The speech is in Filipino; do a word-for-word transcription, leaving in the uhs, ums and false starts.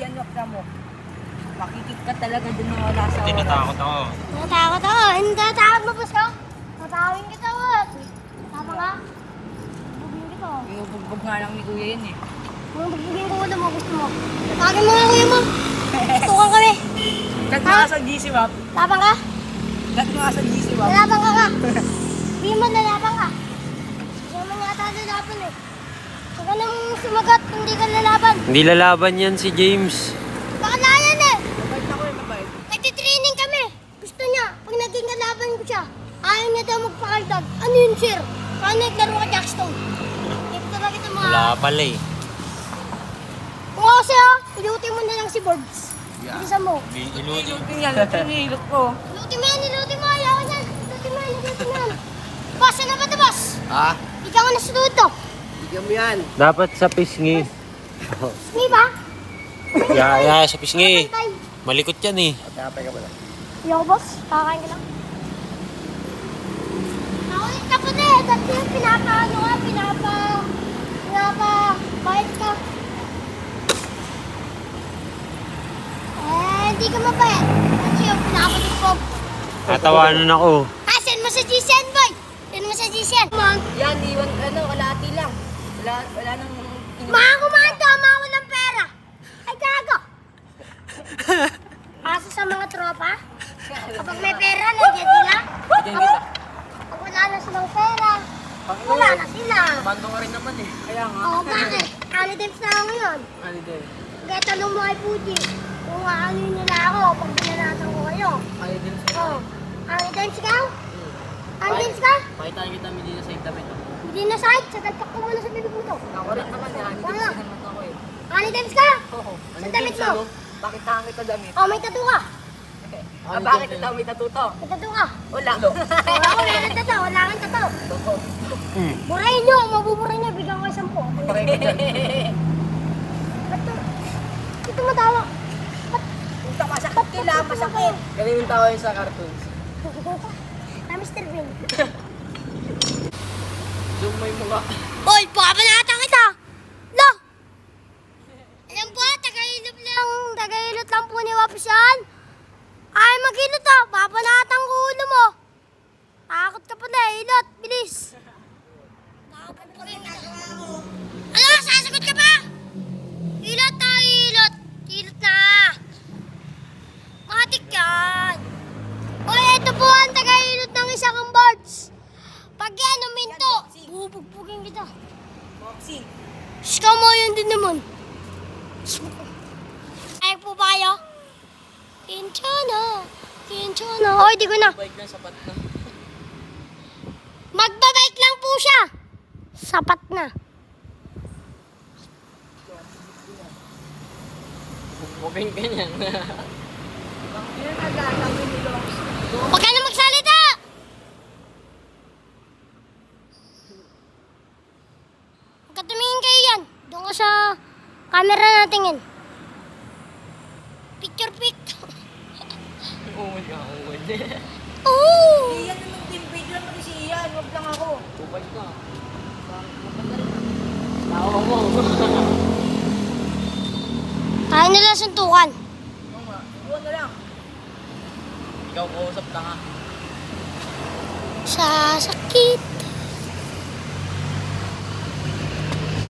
yan, wag na mo. Makikip ka talaga dun na wala sa Hindi oras. natakot ako. Natakot ako. Hindi natakot mo, boss ko. Tatawin kita, wag. Tama ka? Bubugin kita. Iubugbog nga lang ni Kuya yan eh. Kung bubugin ko kung mo gusto mo. Tawagin mo nga kuya mo. Tukan kami. Gat mo nga sa G C Wap. Labang ka? Gat mo nga sa G C Wap. Lalabang ka ka. Hindi mo lalabang ka. Hindi mo yata lalaban eh. Huwag ka nang sumagat kung hindi ka lalaban. Hindi lalaban yan si James. Baka na yan eh. Mabait ako eh, mabait. Nagtitraining kami. Gusto niya, pag naging kalaban ko siya, ayaw niya daw magpakaldag. Ano yun, sir? Paano naglaro ka Jackstone? Hindi ko talaga ito mga... Wala pala eh. Kung ako sa'yo, iluti mo na lang si Borbs. Yeah. Bisa mo. Iluti. Ilutin yan, ilutin yung ilot ko. Iluti mo yan, iluti mo. Ayaw ko yan. Iluti mo yan, iluti mo yan. Boss, ano ba ito, boss? Ha? Ikaw ang nasunod to. Bigyan mo yan. Dapat sa pisngi. Hindi ba? Ya, ya, sa pisngi. Tay. Malikot yan eh. Patapay ka ba lang? Ayaw, boss. Kakain ka lang. Naulit ka po na eh. Dati yung pinapa, ano ka, pinapa, pinapa, bait ka. Eh, hindi ka mabait. Kasi yung pinapalit ko. Tatawanan ako. Ah, send mo sa G C N, boy. Send mo sa G C N. Mang, Yan, iwan, ano, kalahati lang. Wala, wala nang... mga kumando, mga walang pera. Ay, gago. Asa sa mga tropa? Kapag may pera, nandiyan sila. Bigyan kita. Pag wala na silang pera, wala na sila. Bando ka rin naman eh. Kaya nga. Oo, bakit? Ano tips na ako ngayon? Ano din? Kaya tanong mo kay Puji, kung ano nila ako pag binanatan ko kayo. Ano din sa... Oo. Ang dance ka? Ang dance ka? Pakitaan kita hindi na sa damit. Hindi na side, sagal ka muna sa bibig mo to. Ako rin naman yan. Hindi Wala. ko naman ako eh. Ang dance ka? Oo. Sa damit mo? Bakit tangan kita damit? Oh, may tattoo ka. Ah, bakit ito may tatuto? May tattoo ka. Wala. Wala ko, meron tattoo. Wala kang tattoo. Burahin nyo, mabubura nyo, bigyan ko isang po. Pareho ka dyan. Ba't to? Ito matawa. Punta masakit kila, masakit. Ganun yung tawa yun sa cartoons. Na mister Bean. Zoom mo yung mukha. Hoy, papanatan kita! Lo! Alam po, tagahilot lang, tagahilot lang po ni Wapis yan. Ay, maghilot ah, papanatan ko ulo mo. Takot ka pa na, hilot, bilis. Ano, sasagot ka pa? Hilot na, hilot. Hilot na. Matik yan. Hoy, ito po ang tagahilot ng isang birds. Pag yan, uminto, bubugbugin kita. Boxing. Shh, mo yun din naman. Ay po ba kayo? Kinchana, kinchana. Hoy, di ko na. Bike na, sapat na. Magbabike lang po siya. Sapat na. Bukbugin ka niyan. Yan nagkakawin nilo. Huwag ka na magsalita! Huwag ka tumingin kayo yan. Doon ka sa camera natingin. Picture pic. Uwad ka, uwad. Oh! Iyan naman team page lang pati si Ian. Huwag lang ako. Tupad ka. Tawa mo. Kaya nila suntukan. Oo nga. Iwan na lang. Ikaw kausap ka nga. Sa sakit